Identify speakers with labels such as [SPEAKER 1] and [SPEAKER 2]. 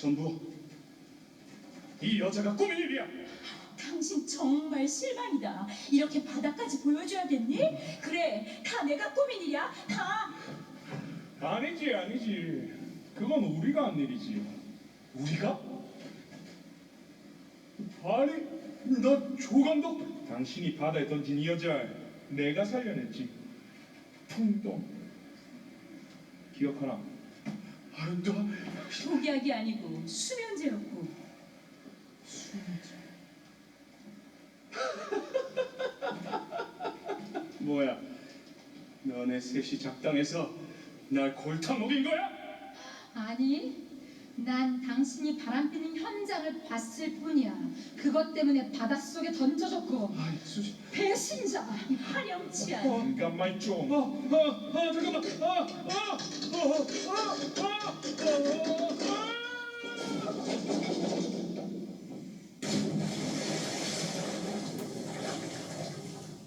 [SPEAKER 1] 전부 이 여자가 꾸민 일이야.
[SPEAKER 2] 당신 정말 실망이다. 이렇게 바닥까지 보여줘야겠니? 그래, 다 내가 꾸민 일이야. 다.
[SPEAKER 1] 아니지. 그건 우리가 한 일이지. 우리가? 아니, 너 조감독. 당신이 바다에 던진 이 여자 내가 살려냈지. 풍동. 기억하나? 아니, 너
[SPEAKER 2] 독약이 아니고 수면제였고.
[SPEAKER 1] 뭐야? 너네 셋이 작당해서 날 골탕 먹인 거야?
[SPEAKER 3] 아니, 난 당신이 바람피는 현장을 봤을 뿐이야. 그것 때문에 바닷속에 던져졌고.
[SPEAKER 1] 아이, 수지.
[SPEAKER 3] 배신자.
[SPEAKER 2] 화렴치한.
[SPEAKER 1] 잠깐만 좀. 잠깐만.